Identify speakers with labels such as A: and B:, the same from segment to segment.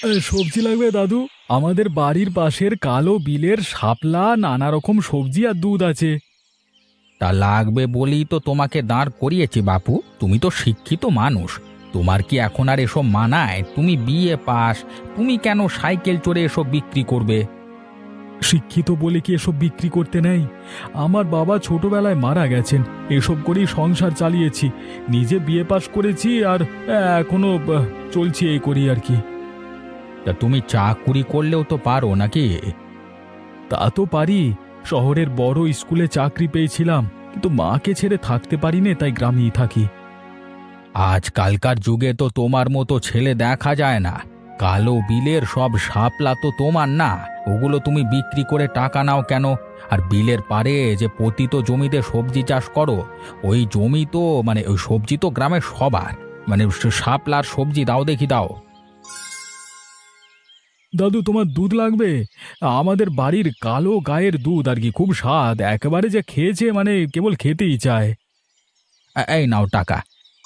A: সবজি লাগবে দাদু? আমাদের বাড়ির পাশের কালো বিলের শাপলা, নানা রকম সবজি আর দুধ আছে।
B: তা লাগবে বলেই তো তোমাকে দাঁড় করিয়েছি বাপু। তুমি তো শিক্ষিত মানুষ, তোমার কি এখন আর এসব মানায়? তুমি বিএ পাস, তুমি কেন সাইকেল চড়ে এসব বিক্রি করবে?
A: শিক্ষিত বলে কি এসব বিক্রি করতে নেই? আমার বাবা ছোটবেলায় মারা গেছেন, এসব করেই সংসার চালিয়েছি। নিজে বিএ পাশ করেছি আর এখনো চলছি এই করি আর কি।
B: তা তুমি চাকুরি করলেও তো পারো নাকি?
A: তা তো পারি। শহরের বড় স্কুলে চাকরি পেয়েছিলাম, কিন্তু মাকে ছেড়ে থাকতে পারি নে, তাই গ্রামেই থাকি।
B: আজকালকার যুগে তো তোমার মতো ছেলে দেখা যায় না। কালো বিলের সব শাপলা তো তোমার না, ওগুলো তুমি বিক্রি করে টাকা নাও কেন? আর বিলের পারে যে পতিত জমিতে সবজি চাষ করো, ওই জমি তো ওই সবজি তো গ্রামের সবার। শাপলার সবজি দাও দেখি, দাও।
A: দাদু, তোমার দুধ লাগবে? আমাদের বাড়ির কালো গায়ের দুধ আর কি, খুব স্বাদ, একেবারে যে খেয়েছে কেবল খেতেই চায়।
B: এই নাও টাকা।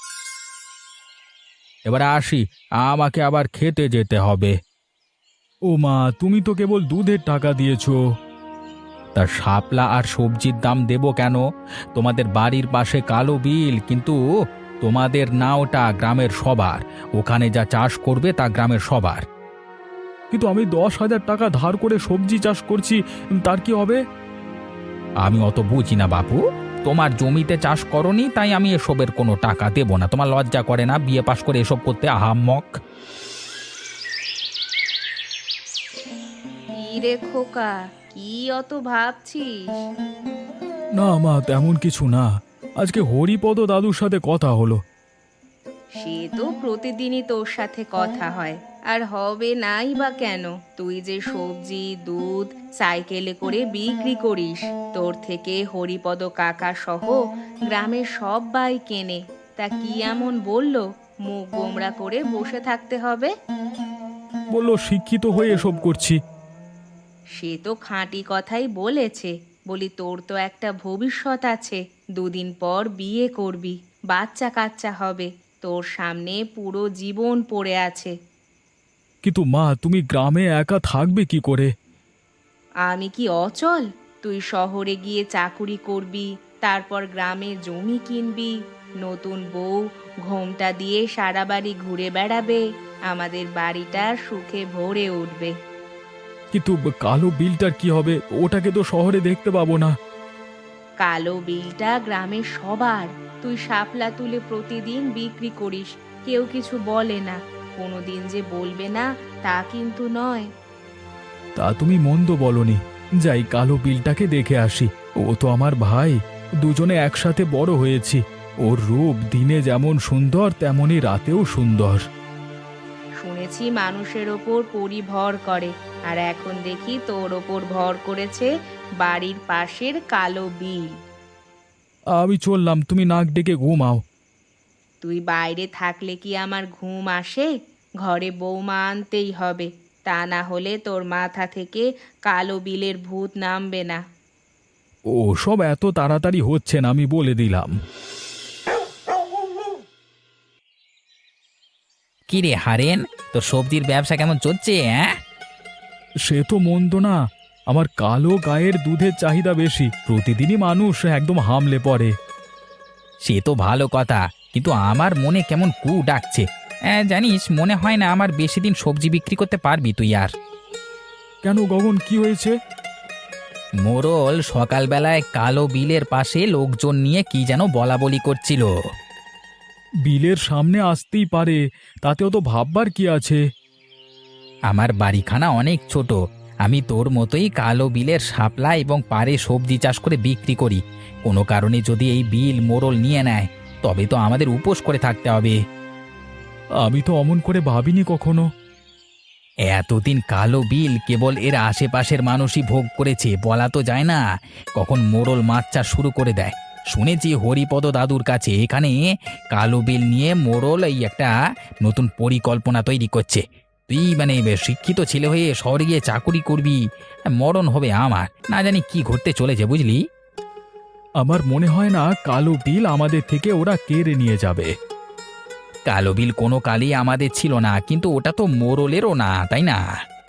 B: এবারে আসি, আমাকে আবার খেতে যেতে হবে।
A: ও মা, তুমি তো কেবল দুধের টাকা দিয়েছো।
B: তা শাপলা আর সবজির দাম দেবো কেন? তোমাদের বাড়ির পাশে কালো বিল, কিন্তু তোমাদের না, ওটা গ্রামের সবার। ওখানে যা চাষ করবে তা গ্রামের সবার।
A: কিন্তু আমি 10,000 টাকা ধার করে সবজি চাষ করছি, তার কি হবে?
B: আমি অত বুঝি না বাপু। তোমার জমিতে চাষ করনি তাই আমি এসবের কোনো টাকা দেবো না। তোমার লজ্জা করে না বিয়ে পাশ করে এসব করতে? আহাম্মক!
C: কি রে খোকা, কি অত ভাবছিস?
A: না মা, তেমন কিছু না। আজকে হরিপদ দাদুর সাথে কথা হলো।
C: সে তো প্রতিদিনই তোর সাথে কথা হয়, আর হবে নাই বা কেন? তুই যে সবজি দুধ সাইকেলে করে বিক্রি করিস, তোর থেকে হরিপদ কাকা সহ গ্রামের সবাই কেনে। তা কি এমন বললো মুখ গোমড়া করে বসে থাকতে হবে?
A: বললো শিক্ষিত হয়ে এসব করছি।
C: সে তো খাঁটি কথাই বলেছে। বলি, তোর তো একটা ভবিষ্যৎ আছে, দুদিন পর বিয়ে করবি, বাচ্চা কাচ্চা হবে, তোর সামনে পুরো জীবন পড়ে আছে।
A: কিন্তু মা, তুমি গ্রামে একা থাকবে কি করে?
C: আমি কি অচল? তুই শহরে গিয়ে চাকুরি করবি, তারপর গ্রামে জমি কিনবি, নতুন বউ ঘোমটা দিয়ে সারা বাড়ি ঘুরে বেড়াবে, আমাদের বাড়িটা সুখে ভরে উঠবে।
A: কিন্তু কালো বিলটার কি হবে? ওটাকে তো শহরে দেখতে পাবো না।
C: কালো বিলটা গ্রামের সবার। তুই শাপলা তুলে প্রতিদিন বিক্রি করিস, কেউ কিছু বলে না। কোনোদিন যে বলবে না তা কিন্তু নয়।
A: তা তুমি মন্দ বলনি। যাই, কালো বিলটাকে দেখে আসি। ও তো আমার ভাই, দুজনে একসাথে বড় হয়েছি। ওর রূপ দিনে যেমন সুন্দর, তেমনি রাতেও সুন্দর।
C: শুনেছি মানুষের ওপর পরি ভর করে, আর এখন দেখি তোর ওপর ভর করেছে বাড়ির পাশের কালো বিল।
A: আমি চললাম, তুমি নাক ডেকে ঘুমাও।
C: তুই বাইরে থাকলে কি আমার ঘুম আসে? ঘরে বৌমা আনতেই হবে, তা না হলে তোর মাথা থেকে কালো বিলের ভূত নামবে না।
A: ও সব এত তাড়াতাড়ি হচ্ছে না, আমি বলে দিলাম।
B: কি রে হারেন, তোর সবজির ব্যবসা কেমন চলছে? হ্যাঁ,
A: সে তো মন্দ না। আমার কালো গায়ের দুধের চাহিদা বেশি, প্রতিদিনই মানুষ একদম হামলে পড়ে।
B: সে তো ভালো কথা, কিন্তু আমার মনে কেমন কু ডাকছে। জানিস, মনে হয় না আমার বেশি দিন সবজি বিক্রি করতে পারবি তুই আর।
A: কেন গগন, কি হয়েছে?
B: মোড়ল সকালবেলায় কালো বিলের পাশে লোকজন নিয়ে কি যেন বলা বলি করছিল।
A: বিলের সামনে আসতেই পারে, তাতেও তো ভাববার কি আছে?
B: আমার বাড়িখানা অনেক ছোট, আমি তোর মতোই কালো বিলের শাপলা এবং পাড়ে সবজি চাষ করে বিক্রি করি। কোনো কারণে যদি এই বিল মোড়ল নিয়ে নেয়, তবে তো আমাদের উপোস করে থাকতে হবে।
A: আমি তো অমন করে ভাবিনি কখনো।
B: এতদিন কালো বিল কেবল এর আশেপাশের মানুষই ভোগ করেছে, বলা তো যায় না কখন মোড়ল মাছ চাষ শুরু করে দেয়। শুনেছি হরিপদ দাদুর কাছে এখানে কালো বিল নিয়ে মোড়ল এই একটা নতুন পরিকল্পনা তৈরি করছে। তুই শিক্ষিত ছেলে হয়ে শহরে গিয়ে চাকুরি করবি, মরণ হবে আমার। না জানি কি ঘটতে চলেছে, বুঝলি?
A: আমার মনে হয় না কালো বিল আমাদের থেকে ওরা কেড়ে নিয়ে যাবে।
B: কালো বিল কোনো কালই আমাদের ছিল না, কিন্তু ওটা তো মোড়লেরও না, তাই না?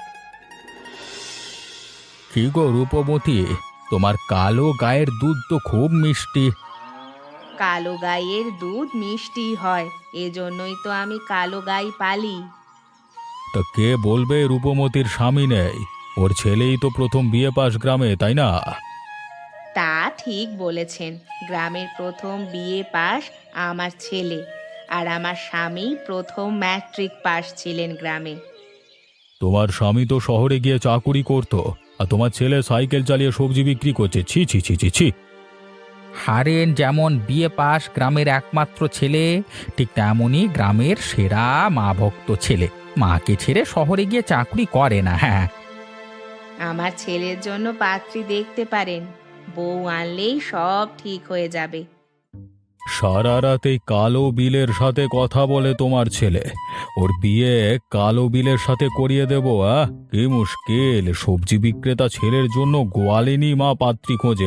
A: কি গো রূপবতী, তোমার কালো গায়ের দুধ তো খুব মিষ্টি।
C: কালো গাইয়ের দুধ মিষ্টি হয়, এজন্যই তো আমি কালো গাই পালি।
A: তা কে বলবে রূপমতির স্বামী নেই? ওর ছেলেই তো প্রথম বিয়ে পাশ গ্রামে, তাই না?
C: তা ঠিক বলেছেন, গ্রামের প্রথম বিএ পাস আমার ছেলে, আর আমার স্বামী প্রথম ম্যাট্রিক পাস ছিলেন গ্রামে।
A: তোমার স্বামী তো শহরে গিয়ে চাকুরি করতো, আর তোমার ছেলে সাইকেল চালিয়ে সবজি বিক্রি করছে। ছি ছি ছি ছি ছি।
B: হারেন যেমন বিয়ে পাশ গ্রামের একমাত্র ছেলে, ঠিক তেমনই গ্রামের সেরা মা ভক্ত ছেলে। মাকে ছেড়ে শহরে গিয়ে চাকরি করে না। হ্যাঁ,
C: আমার ছেলের জন্য পাত্রী দেখতে পারেন, বউ আনলেই সব ঠিক হয়ে যাবে।
A: সারা রাত এই কালো বিলের সাথে কথা বলে তোমার ছেলে, ওর বিয়ে কালো বিলের সাথে করিয়ে দেবো? কি মুশকিল, সবজি বিক্রেতা ছেলের জন্য গোয়ালিনী মা পাত্রী খোঁজে।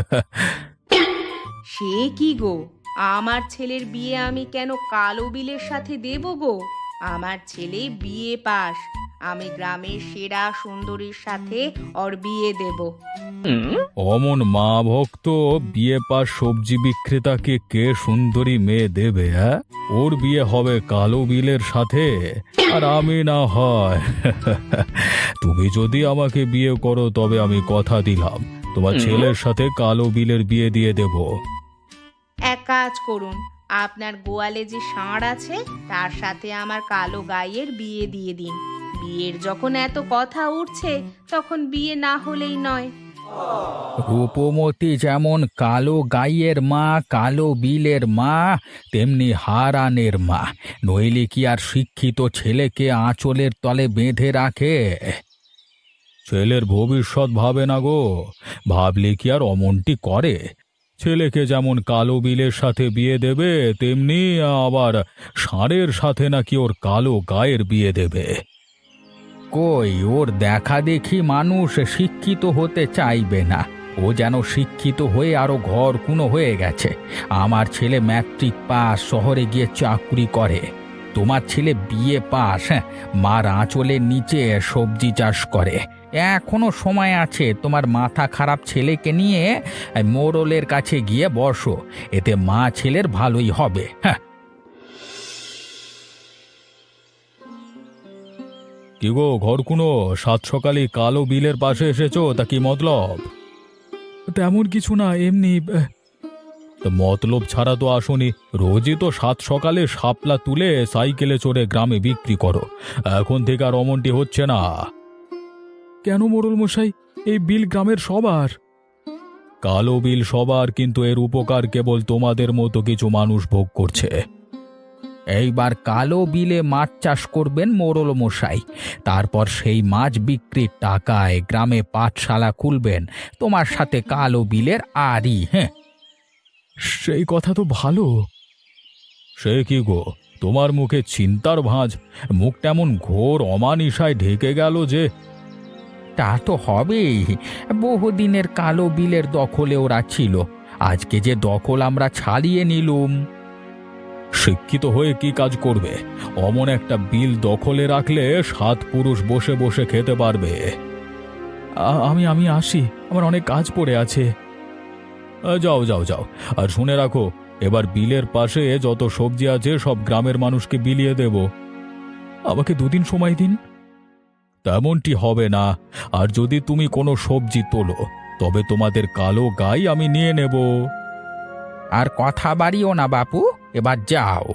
C: সে কি গো, আমার ছেলের বিয়ে আমি কেন কালো বিলের সাথে দেব গো? আমার ছেলে বিএ পাস, আমি গ্রামের সেরা সুন্দরীর সাথে ওর বিয়ে দেব।
A: অমন মা ভক্ত বিয়ে পাশ সবজি বিক্রেতাকে কে সুন্দরী মেয়ে দেবে? ওর বিয়ে হবে কালো বিলের সাথে, আর আমি না হয়। তুমি যদি আমাকে বিয়ে করো তবে আমি কথা দিলাম তোমার ছেলের সাথে কালো বিলের বিয়ে দিয়ে দেব।
C: এক কাজ করুন, আপনার গোয়ালে যে ষাঁড় আছে তার সাথে আমার কালো গাইয়ের বিয়ে দিয়ে দিন। বিয়ের যখন এত কথা উঠছে, তখন বিয়ে না হলেই নয়।
B: রূপমতি যেমন কালো গাইয়ের মা, কালো বিলের মা, তেমনি হারানের মা। নইলে কি আর শিক্ষিত ছেলেকে আঁচলের তলে বেঁধে রাখে?
A: ছেলের ভবিষ্যৎ ভাবে না গো, ভাবলে কি আর অমনটি করে? ছেলেকে যেমন কালো বিলের সাথে বিয়ে দেবে, তেমনি আবার ষাঁড়ের সাথে নাকি ওর কালো গায়ের বিয়ে দেবে।
B: কই, ওর দেখা দেখি মানুষ শিক্ষিত হতে চাইবে না। ও যেন শিক্ষিত হয়ে আরো ঘরকুনো হয়ে গেছে। আমার ছেলে ম্যাট্রিক পাস, শহরে গিয়ে চাকরি করে। তোমার ছেলে বিএ পাস, মার আঁচলের নিচে সবজি চাষ করে। এখনো সময় আছে, তোমার মাথা খারাপ ছেলেকে নিয়ে মোড়লের কাছে গিয়ে বসো, এতে মা ছেলের ভালোই হবে। হ্যাঁ,
A: কি গো ঘরকুনো, সাত সকালে কালো বিলের পাশে এসেছো, তা কি মতলব? তেমন কিছু না, এমনি। মতলব ছাড়া তো আসনি। রোজই তো সাত সকালে শাপলা তুলে সাইকেলে চড়ে গ্রামে বিক্রি করো, এখন থেকে আর অমনটি হচ্ছে না। কেন মোড়ল মশাই, এই বিল গ্রামের সবার। কালো বিল সবার, কিন্তু এর উপকার কেবল তোমাদের মতো কিছু মানুষ ভোগ করছে।
B: এইবার কালো বিলে মাছ চাষ করবেন মোড়ল মশাই, তারপর সেই মাছ বিক্রির টাকায় গ্রামে পাঠশালা খুলবেন, তোমার সাথে কালো বিলের আরই। হ্যাঁ,
A: সেই কথা তো ভালো। সে কি গো, তোমার মুখে চিন্তার ভাঁজ, মুখটা এমন ঘোর অমানিসায় ঢেকে গেল যে।
B: তা তো হবেই, বহুদিনের কালো বিলের দখলে ওরা ছিল, আজকে যে দখল আমরা ছাড়িয়ে নিলুম।
A: শিক্ষিত হয়ে কি কাজ করবে? অমন একটা বিল দখলে রাখলে 7 পুরুষ বসে বসে খেতে পারবে। আমি আমি আসি, আমার অনেক কাজ পড়ে আছে। যাও যাও যাও, আর শুনে রাখো, এবার বিলের পাশে যত সবজি আছে সব গ্রামের মানুষকে বিলিয়ে দেব। আমাকে 2 দিন সময় দিন। তেমনটি হবে না, আর যদি তুমি কোনো সবজি তোলো তবে তোমাদের কালো গাই আমি নিয়ে নেব।
B: আর কথা বাড়িও না বাপু, এবার যাও।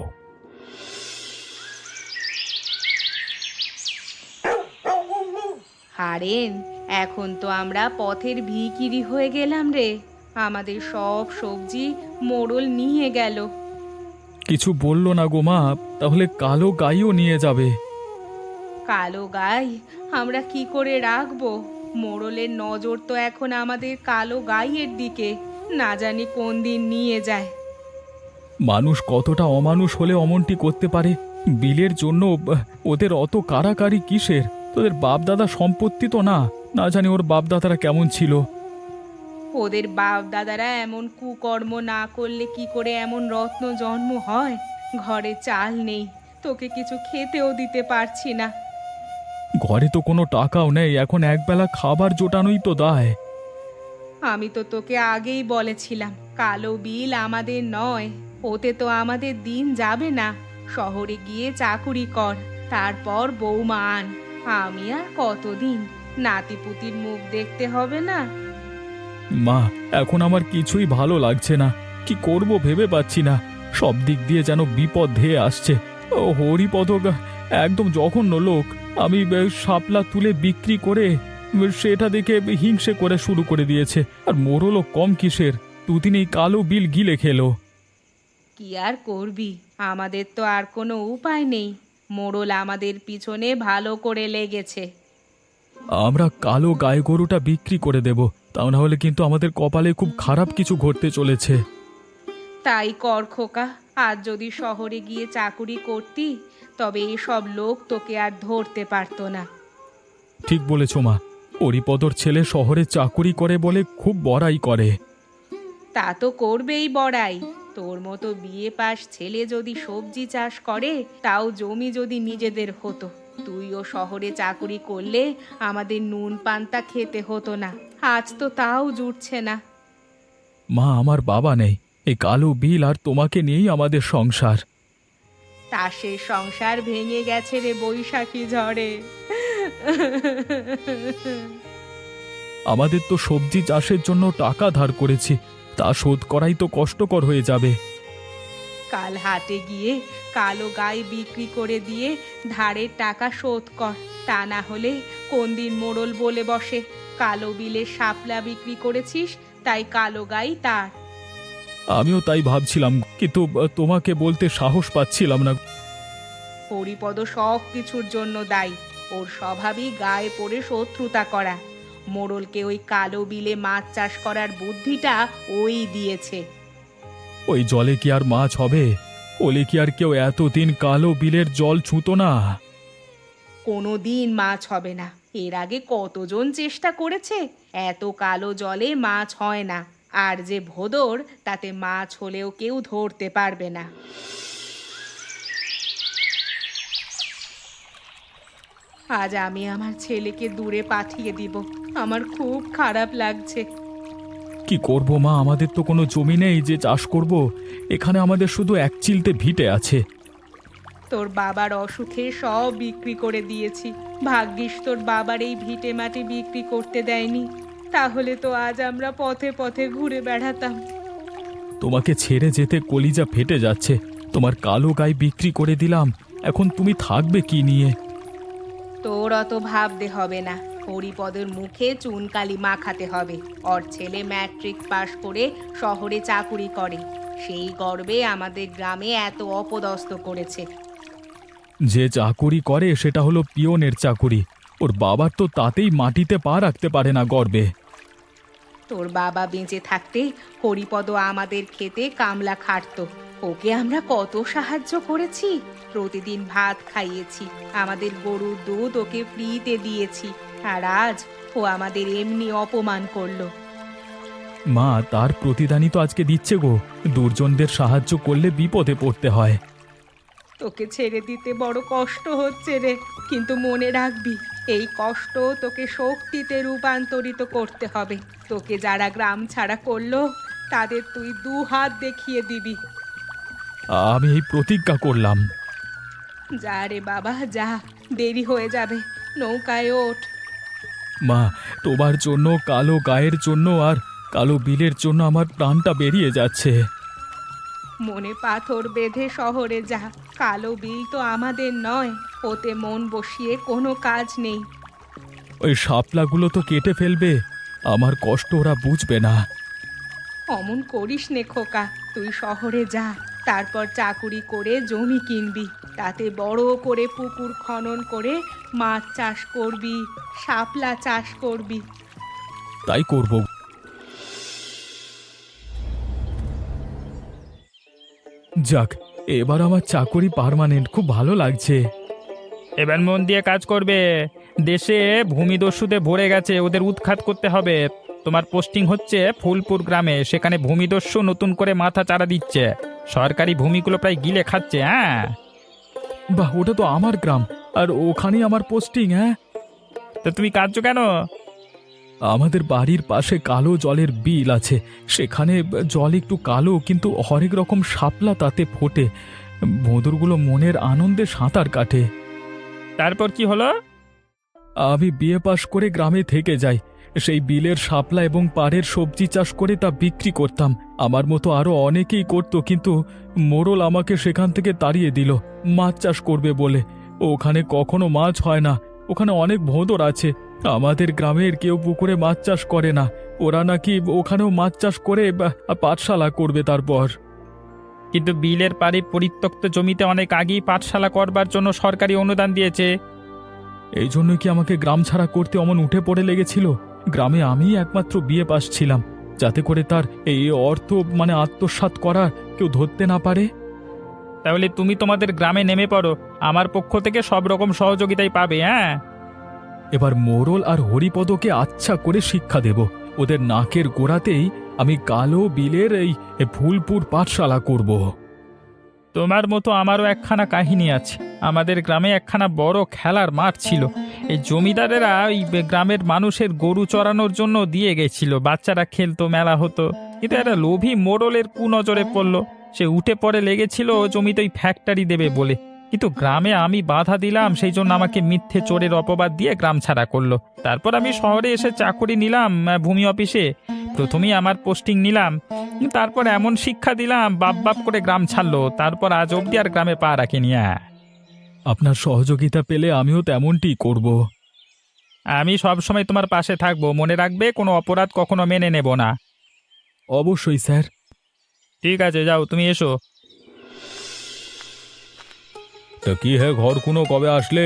C: হারেন, এখন তো আমরা পথের ভিখিরি হয়ে গেলাম রে। আমাদের সব সবজি মোড়ল নিয়ে গেল।
A: কিছু বললো না গো মা, তাহলে কালো গাইও নিয়ে যাবে।
C: কালো গাই আমরা কি করে রাখবো? মোড়লের নজর তো এখন আমাদের কালো গাইয়ের দিকে, না জানি কোন দিন নিয়ে যায়।
A: মানুষ কতটা অমানুষ হলে অমনটি করতে পারে? বিলের জন্য ওদের অত কারাকারি কিসের? তোদের বাপদাদা সম্পত্তি তো না, না জানি ওর বাপদাদারা কেমন ছিল।
C: ওদের বাপ দাদারা এমন কুকর্ম না করলে কি করে এমন রত্ন জন্ম হয়? ঘরে চাল নেই, তোকে কিছু খেতেও দিতে পারছি না।
A: ঘরে তো কোনো টাকাও নেই, এখন একবেলা খাবার জোটানোই তো দায়।
C: আমি তো তোকে আগেই বলেছিলাম কালো বিল আমাদের নয়, ওতে তো আমাদের দিন যাবে না। শহরে গিয়ে চাকুরি কর, তারপর বৌমা আন। আমি আর কতদিন নাতিপুতির মুখ দেখতে হবে না?
A: মা, এখন আমার কিছুই ভালো লাগছে না। কি করব ভেবে পাচ্ছি না। সব দিক দিয়ে যেন বিপদ ধেয়ে আসছে। ও হরিপদ একদম জঘন্য লোক। আমি শাপলা তুলে বিক্রি করে সেটা দেখে হিংসে করে শুরু করে দিয়েছে। আর মোরলও কম কিসের, দুদিন এই কালো বিল গিলে খেলো।
C: কি আর করবি, আমাদের তো আর কোনো উপায় নেই। মোড়ল আমাদের পিছনে ভালো করে লেগেছে।
A: আমরা কালো গায়ে গরুটা বিক্রি করে দেব, তা না হলে কিন্তু আমাদের কপালে খুব খারাপ কিছু ঘটতে চলেছে।
C: তাই কর খোকা, আজ যদি শহরে গিয়ে চাকুরি করতি তবে এসব লোক তোকে আর ধরতে পারতো না।
A: ঠিক বলেছ মা, হরিপদর ছেলে শহরে চাকুরি করে বলে খুব বড়াই করে।
C: তা তো করবেই বড়াই। তোর মতো বিয়ে পাশ ছেলে যদি সবজি চাষ করে, তাও জমি যদি নিজেদের হতো, তুইও শহরে চাকুরি করলে আমাদের নুন পান্তা খেতে হতো না। আজ তো তাও জুটছে না।
A: মা, আমার বাবা নেই, এই কালো বিল আর তোমাকে নিয়েই আমাদের সংসার।
C: তাসের সংসার ভেঙে গেছে রে বৈশাখী ঝড়ে।
A: আমাদের তো সবজি চাষের জন্য টাকা ধার করেছি, তা শোধ করাই তো কষ্টকর হয়ে যাবে।
C: কাল হাটে গিয়ে কালো গাই বিক্রি করে দিয়ে ধারের টাকা শোধ কর, তা না হলে কোন দিন মোড়ল বলে বসে কালো বিলে শাপলা বিক্রি করেছিস, তাই কালো গাই তার।
A: আমিও তাই ভাবছিলাম, কিন্তু তোমাকে বলতে সাহস পাচ্ছিলাম না।
C: হরিপদ সব কিছুর জন্য দায়ী। ওর স্বভাবই গায়ে পড়ে শত্রুতা করা। মোড়লকে ওই কালো বিলে মাছ চাষ করার বুদ্ধিটা ওই দিয়েছে।
A: ওই জলে কি আর মাছ হবে? ওলে কি আর কেউ এতদিন কালো বিলের জল ছুঁতো না?
C: কোনো দিন মাছ হবে না। এর আগে কতজন চেষ্টা করেছে, এত কালো জলে মাছ হয় না। আর যে ভোদর, তাতে মাছ হলেও কেউ ধরতে পারবে না। আজ আমি আমার ছেলেকে দূরে পাঠিয়ে দিব। আমার খুব খারাপ লাগছে।
A: কি করব মা, আমাদের তো কোনো জমি নেই যে চাষ করব। এখানে আমাদের শুধু এক চিলতে ভিটে আছে।
C: তোর বাবার অসুখে সব বিক্রি করে দিয়েছি। ভাগ্যিস তোর বাবার এই ভিটে মাটি বিক্রি করতে দেয়নি, তাহলে তো আজ আমরা পথে পথে ঘুরে বেড়াতাম।
A: তোমাকে ছেড়ে যেতে কলিজা ফেটে যাচ্ছে। তোমার কালো গাই বিক্রি করে দিলাম, এখন তুমি থাকবে কি নিয়ে?
C: তোর অত ভাবতে হবে না। হরিপদের মুখে চুনকালি মাখাতে হবে। ওর ছেলে ম্যাট্রিক পাশ করে শহরে চাকুরি করে, সেই গর্বে আমাদের গ্রামে এত অপদস্থ করেছে।
A: যে চাকুরি করে সেটা হলো পিয়নের চাকুরি। ওর বাবার তো তাতেই মাটিতে পা রাখতে পারে না গর্বে।
C: তোর বাবা বেঁচে থাকতে হরিপদ আমাদের খেতে কামলা খাটতো। ওকে আমরা কত সাহায্য করেছি, প্রতিদিন ভাত খাইয়েছি, আমাদের গরুর দুধ ওকে ফ্রিতে দিয়েছি। আর আজ ও আমাদের এমনি অপমান করলো।
A: মা, তার প্রতিদানই তো আজকে দিচ্ছে গো। দুর্জনদের সাহায্য করলে বিপদে পড়তে হয়।
C: তোকে ছেড়ে দিতে বড় কষ্ট হচ্ছে রে, কিন্তু মনে রাখবি এই কষ্ট তোকে শক্তিতে রূপান্তরিত করতে হবে। তোকে যারা গ্রাম ছাড়া করলো, তাদের তুই 2 হাত দেখিয়ে দিবি।
A: আমি এই প্রতিজ্ঞা করলাম।
C: যা রে বাবা যা, দেরি হয়ে যাবে, নৌকায় ওঠ।
A: মা, তোমার জন্য, কালো গায়ের জন্য আর কালো বিলের জন্য আমার প্রাণটা বেরিয়ে যাচ্ছে।
C: মনে পাথর বেঁধে শহরে যা। কালো বিল তো আমাদের নয়, ওতে মন বসিয়ে কোনো কাজ নেই।
A: ওই শাপলাগুলো তো কেটে ফেলবে, আমার কষ্ট ওরা বুঝবে না।
C: অমন করিস নে খোকা, তুই শহরে যা, তারপর চাকুরি করে জমি কিনবি, তাতে বড় করে পুকুর খনন করে মাছ চাষ করবি, শাপলা চাষ করবি।
A: তাই করব। যাক, এবার আমার চাকরি পার্মানেন্ট, খুব ভালো লাগছে।
D: এবার মন দিয়ে কাজ করবে। দেশে ভূমিদস্যুতে ভরে গেছে, ওদের উৎখাত করতে হবে। তোমার পোস্টিং হচ্ছে ফুলপুর গ্রামে, সেখানে ভূমিদস্যু নতুন করে মাথা চারা দিচ্ছে। সরকারি ভূমিগুলো প্রায় গিলে খাচ্ছে। হ্যাঁ,
A: বাহ, ওটা তো আমার গ্রাম, আর ওখানেই আমার পোস্টিং। হ্যাঁ,
D: তো তুমি কাঁদছো কেন?
A: আমাদের বাড়ির পাশে কালো জলের বিল আছে, সেখানে জল একটু কালো, কিন্তু হরেক রকম শাপলা তাতে ফোটে। ভোঁদরগুলো মনের আনন্দে সাঁতার কাটে।
D: তারপর কি হলো?
A: আমি বিএ পাশ করে গ্রামে থেকে যাই, সেই বিলের শাপলা এবং পাড়ের সবজি চাষ করে তা বিক্রি করতাম। আমার মতো আরো অনেকেই করত, কিন্তু মোড়ল আমাকে সেখান থেকে তাড়িয়ে দিল মাছ চাষ করবে বলে। ওখানে কখনো মাছ হয় না, ওখানে অনেক ভোঁদর আছে। আমাদের গ্রামের কেউ পুকুরে মাছ চাষ করে না, ওরা নাকি ওখানেও মাছ চাষ করে পাঠশালা করবে তারপর।
D: কিন্তু বিলের পাড়ে পরিত্যক্ত জমিতে অনেক আগেই পাঠশালা করবার জন্য সরকারি অনুদান দিয়েছে।
A: এই জন্য কি আমাকে গ্রাম ছাড়া করতে অমন উঠে পড়ে লেগেছিল? গ্রামে আমি একমাত্র বিএ পাস ছিলাম, যাতে করে তার এই অর্থ আত্মসাৎ করা কেউ ধরতে না পারে।
D: তাহলে তুমি তোমাদের গ্রামে নেমে পড়ো, আমার পক্ষ থেকে সব রকম সহযোগিতাই পাবে। হ্যাঁ,
A: এবার মোড়ল আর হরিপদকে আচ্ছা করে শিক্ষা দেব। ওদের নাকের গোড়াতেই আমি কালো বিলের এই ফুলপুর পাঠশালা করব।
D: তোমার মতো আমারও একখানা কাহিনী আছে। আমাদের গ্রামে একখানা বড় খেলার মাঠ ছিল। এই জমিদারেরা ওই গ্রামের মানুষের গরু চড়ানোর জন্য দিয়ে গেছিল, বাচ্চারা খেলতো, মেলা হতো। কিন্তু একটা লোভী মোড়লের কুনজরে পড়লো, সে উঠে পড়ে লেগেছিল জমিতে ওই ফ্যাক্টরি দেবে বলে। কিন্তু গ্রামে আমি বাধা দিলাম, সেই জন্য আমাকে মিথ্যে চোরের অপবাদ দিয়ে গ্রাম ছাড়া করলো। তারপর আমি শহরে এসে চাকরি নিলাম ভূমি অফিসে। প্রথমেই আমার পোস্টিং নিলাম, তারপর এমন শিক্ষা দিলাম বাপ বাপ করে গ্রাম ছাড়লো। তারপর আজ অবধি আর গ্রামে পা রাখিনি।
A: আপনার সহযোগিতা পেলে আমিও তেমনটি করব।
D: আমি সব সময় তোমার পাশে থাকবো, মনে রাখবে কোনো অপরাধ কখনো মেনে নেব না।
A: অবশ্যই স্যার।
D: ঠিক আছে, যাও তুমি এসো।
A: তা কি হে ঘর কোনো কবে আসলে?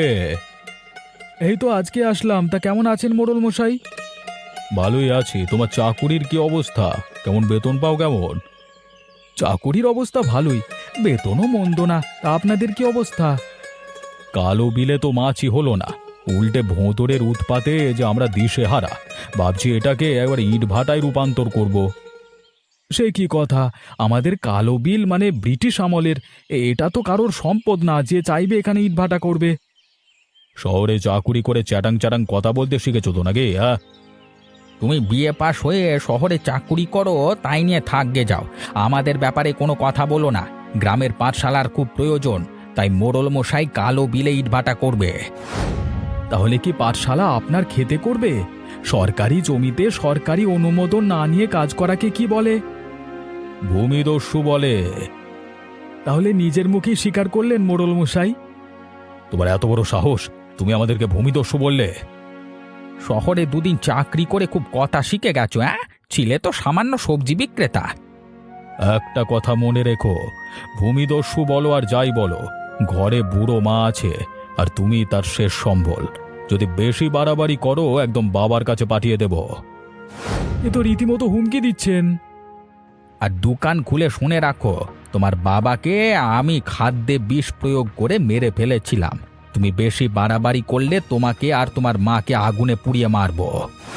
A: এই তো আজকে আসলাম। তা কেমন আছেন মোড়ল মশাই? ভালোই আছি। তোমার চাকুরির কি অবস্থা? কেমন বেতন পাও কেমন? চাকুরির অবস্থা ভালোই, বেতনও মন্দ না। তা আপনাদের কি অবস্থা? কালো বিলে তো মাছই হলো না, উল্টে ভোঁদরের উৎপাতে যে আমরা দিশেহারা। ভাবছি এটাকে একবার ইট ভাটায় রূপান্তর করব। সে কি কথা? আমাদের কালো বিল ব্রিটিশ আমলের, এটা তো কারোর সম্পদ না যে চাইবে এখানে ইটভাটা করবে। শহরে চাকুরি করে চ্যাটাং চ্যাটাং কথা বলতে শিখেছো তো নাকি? হ্যাঁ,
B: তুমি বিএ পাশ হয়ে শহরে চাকুরি করো, তাই নিয়ে থাকবে যাও। আমাদের ব্যাপারে কোনো কথা বলো না। গ্রামের পাঠশালার খুব প্রয়োজন, তাই মোড়ল মশাই কালো বিলে ইটভাটা করবে।
A: তাহলে কি পাঠশালা আপনার খেতে করবে? সরকারি জমিতে সরকারি অনুমোদন না নিয়ে কাজ করাকে কি বলে? ভূমিদস্যু বলে। তাহলে নিজের মুখেই স্বীকার করলেন মোড়ল মশাই। তোমার এত বড় সাহস, তুমি আমাদেরকে ভূমিদস্যু বললে?
B: শহরে দুদিন চাকরি করে খুব কথা শিখে গেছো। ছিলে তো সামান্য সবজি বিক্রেতা।
A: একটা কথা মনে রেখো, ভূমিদস্যু বলো আর যাই বলো, ঘরে বুড়ো মা আছে, আর তুমি তার শেষ সম্বল। যদি বেশি বাড়াবাড়ি করো একদম বাবার কাছে পাঠিয়ে দেব। এ তো রীতিমতো হুমকি দিচ্ছেন।
B: আর দোকান খুলে শুনে রাখো, তোমার বাবাকে আমি খাদ্যে বিষ প্রয়োগ করে মেরে ফেলেছিলাম। তুমি বেশি বাড়াবাড়ি করলে তোমাকে আর তোমার মাকে আগুনে পুড়িয়ে মারবো।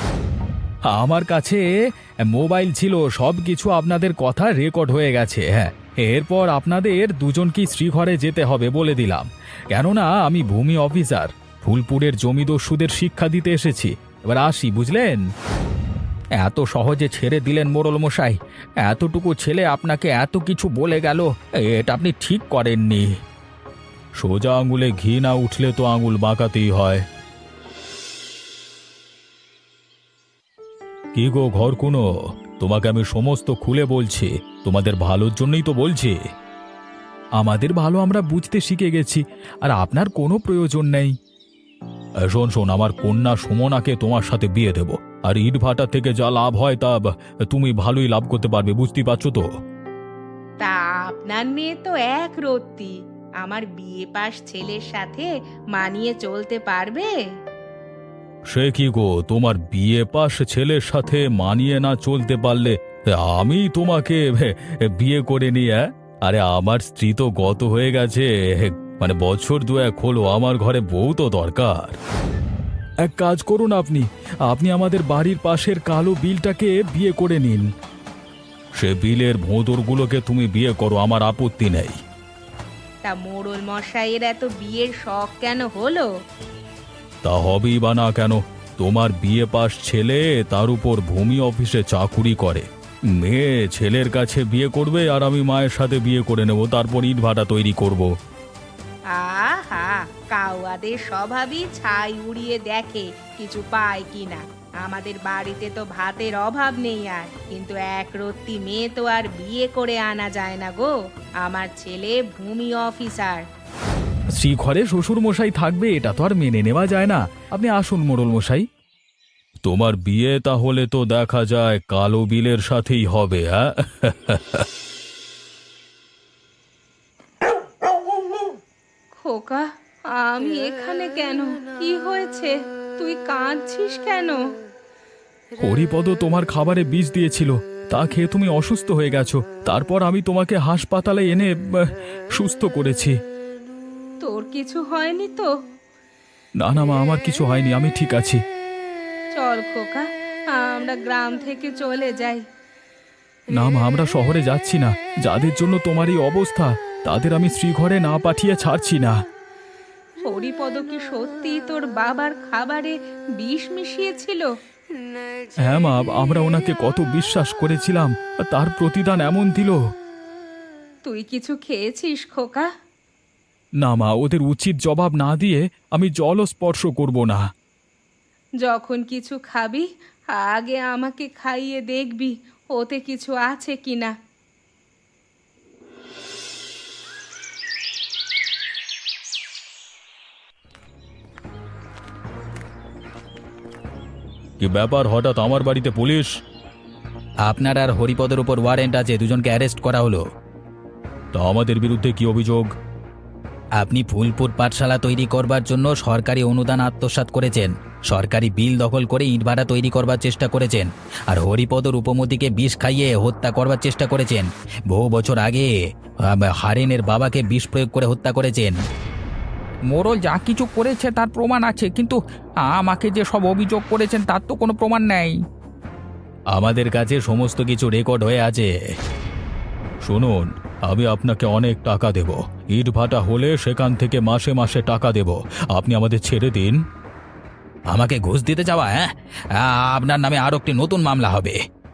A: আমার কাছে মোবাইল ছিল, সব কিছু আপনাদের কথা রেকর্ড হয়ে গেছে। হ্যাঁ, এরপর আপনাদের দুজনকেই শ্রীঘরে যেতে হবে বলে দিলাম, কেননা আমি ভূমি অফিসার, ফুলপুরের জমিদস্যুদের শিক্ষা দিতে এসেছি। এবার আসি, বুঝলেন?
B: এত সহজে ছেড়ে দিলেন মোড়ল মশাই? এতটুকু ছেলে আপনাকে এত কিছু বলে গেল, এটা আপনি ঠিক করেননি।
A: সোজা আঙুলে ঘি না উঠলে তো আঙুল বাঁকাতেই হয়। কি গো ঘর কোনো, তোমাকে আমি সমস্ত খুলে বলছি, তোমাদের ভালোর জন্যই তো বলছি। আমাদের ভালো আমরা বুঝতে শিখে গেছি, আর আপনার কোনো প্রয়োজন নেই। শোন শোন, আমার কন্যা সুমনাকে তোমার সাথে বিয়ে দেব, আর ইটভাটা থেকে যা লাভ হয় তা তুমি ভালোই লাভ করতে পারবে, বুঝতেই পারছো তো?
C: তা আপনার মেয়ে তো এক রত্তি, আমার বিয়ে পাশ ছেলের সাথে মানিয়ে চলতে পারবে?
A: সে কি গো, তোমার বিয়ে পাশ ছেলের সাথে মানিয়ে না চলতে পারলে আমি তোমাকে বিয়ে করে নিয়ে? আরে আমার স্ত্রী তো গত হয়ে গেছে, বছর দুয়েক হলো, আমার ঘরে বউ তো দরকার। এক কাজ করুন, আপনি আমাদের বাড়ির পাশের কালো বিলটাকে বিয়ে করে নিন। সে বিলের ভোঁদরগুলোকে তুমি বিয়ে করো, আমার আপত্তি নেই।
C: তা মোড়ল মশাইয়ের এত বিয়ের শখ কেন হলো?
A: তা হবেই বা না কেন? তোমার বিয়ে পাশ ছেলে, তার উপর ভূমি অফিসে চাকুরি করে। মেয়ে ছেলের কাছে বিয়ে করবে আর আমি মায়ের সাথে বিয়ে করে নেব, তারপর ইটভাটা তৈরি করব।
C: আহা, কাউয়াদের স্বভাবই ছাই উড়িয়ে দেখে কিছু পায় কিনা। আমাদের বাড়িতে তো ভাতের অভাব নেই, আর কিন্তু একরত্তি মেয়ে তো আর বিয়ে করে আনা যায় না গো। আমার ছেলে ভূমি অফিসার।
A: শ্রীঘরে শ্বশুর মশাই থাকবে, এটা তো আর মেনে নেওয়া যায় না। আপনি আসুন মোড়ল মশাই। তোমার বিয়ে তাহলে তো দেখা যায় কালো বিলের সাথেই হবে। হ্যাঁ,
C: খোকা, আমি এখানে কেন? কি হয়েছে? তুই কাঁদছিস কেন?
A: হরিপদ তোমার খাবারে বিষ দিয়েছিল, তা খেয়ে তুমি অসুস্থ হয়ে গেছো। তারপর আমি তোমাকে হাসপাতালে এনে সুস্থ করেছি।
C: তোর কিছু হয়নি তো?
A: না না মা, আমার কিছু হয়নি, আমি ঠিক আছি।
C: চল খোকা, আমরা গ্রাম থেকে চলে যাই।
A: না মা, আমরা শহরে যাচ্ছি না। যাদের জন্য তোমার এই অবস্থা, তাদের আমি শ্রীঘরে না পাঠিয়ে ছাড়ছি না।
C: হরিপদ কি সত্যি তোর বাবার খাবারে বিষ মিশিয়েছিল?
A: হ্যাঁ মা, আমরা ওনাকে কত বিশ্বাস করেছিলাম, তার প্রতিদান এমন দিল।
C: তুই কিছু খেয়েছিস খোকা?
A: না মা, ওদের উচিত জবাব না দিয়ে আমি জলও স্পর্শ করব না।
C: যখন কিছু খাবি আগে আমাকে খাইয়ে দেখবি ওতে কিছু আছে কিনা।
A: কি ব্যাপার, হঠাৎ আমার বাড়িতে পুলিশ?
B: আপনার আর হরিপদের উপর ওয়ারেন্ট আছে, দুজনকে অ্যারেস্ট করা হলো।
A: তা আমাদের বিরুদ্ধে কি অভিযোগ?
B: আপনি ফুলপুর পাঠশালা তৈরি করবার জন্য সরকারি অনুদান আত্মসাৎ করেছেন, সরকারি বিল দখল করে ইটভাটা তৈরি করবার চেষ্টা করেছেন, আর হরিপদর উপমতিকে বিষ খাইয়ে হত্যা করবার চেষ্টা করেছেন। বহু বছর আগে হারেনের বাবাকে বিষ প্রয়োগ করে হত্যা করেছেন।
D: মোড়ল যা কিছু করেছে তার প্রমাণ আছে, কিন্তু আমাকে যে সব অভিযোগ করেছেন তার তো কোনো প্রমাণ নেই।
A: আমাদের কাছে সমস্ত কিছু রেকর্ড হয়ে আছে। শুনুন, আমি আপনাকে অনেক টাকা দেব, ইটভাটা হলে সেখান থেকে মাসে মাসে টাকা দেব। আপনি আমাদের ছেড়ে দিন।
B: আমাকে ঘুষ দিতে যাওয়া? হ্যাঁ, আপনার নামে আরও একটি নতুন মামলা হবে।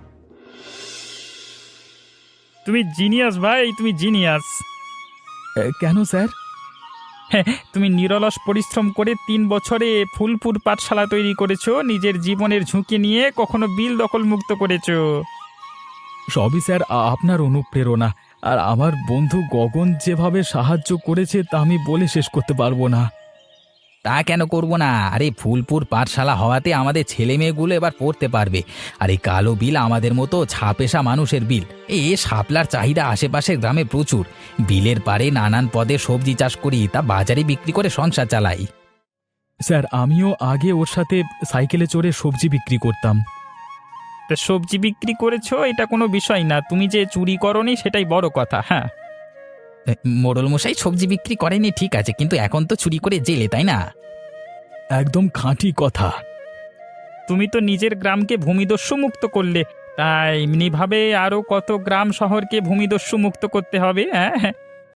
D: তুমি জিনিয়াস ভাই, তুমি জিনিয়াস।
A: কেন স্যার?
D: তুমি নিরলস পরিশ্রম করে 3 বছরে ফুলপুর পাঠশালা তৈরি করেছো, নিজের জীবনের ঝুঁকি নিয়ে কখনো বিল দখল মুক্ত করেছো।
A: সবই স্যার আপনার অনুপ্রেরণা, আর আমার বন্ধু গগন যেভাবে সাহায্য করেছে তা আমি বলে শেষ করতে পারবো না।
B: তা কেন করব না? আরে ফুলপুর পাঠশালা হওয়াতে আমাদের ছেলে মেয়েগুলো এবার পড়তে পারবে। আর এই কালো বিল আমাদের মতো ছাপেশা মানুষের বিল। এ শাপলার চাহিদা আশেপাশের গ্রামে প্রচুর। বিলের পাড়ে নানান পদে সবজি চাষ করি, তা বাজারে বিক্রি করে সংসার চালাই।
A: স্যার, আমিও আগে ওর সাথে সাইকেলে চড়ে সবজি বিক্রি করতাম।
D: তা সবজি বিক্রি করেছো এটা কোনো বিষয় না, তুমি যে চুরি করনি সেটাই বড় কথা। হ্যাঁ,
B: মোড়ল মশাই সবজি বিক্রি করেনি ঠিক আছে, কিন্তু এখন তো চুরি করে জেলে, তাই না?
A: একদম খাঁটি কথা।
D: তুমি তো নিজের গ্রামকে ভূমিদস্যু মুক্ত করলে, তাই এমনিভাবে আরও কত গ্রাম শহরকে ভূমিদস্যু মুক্ত করতে হবে। হ্যাঁ,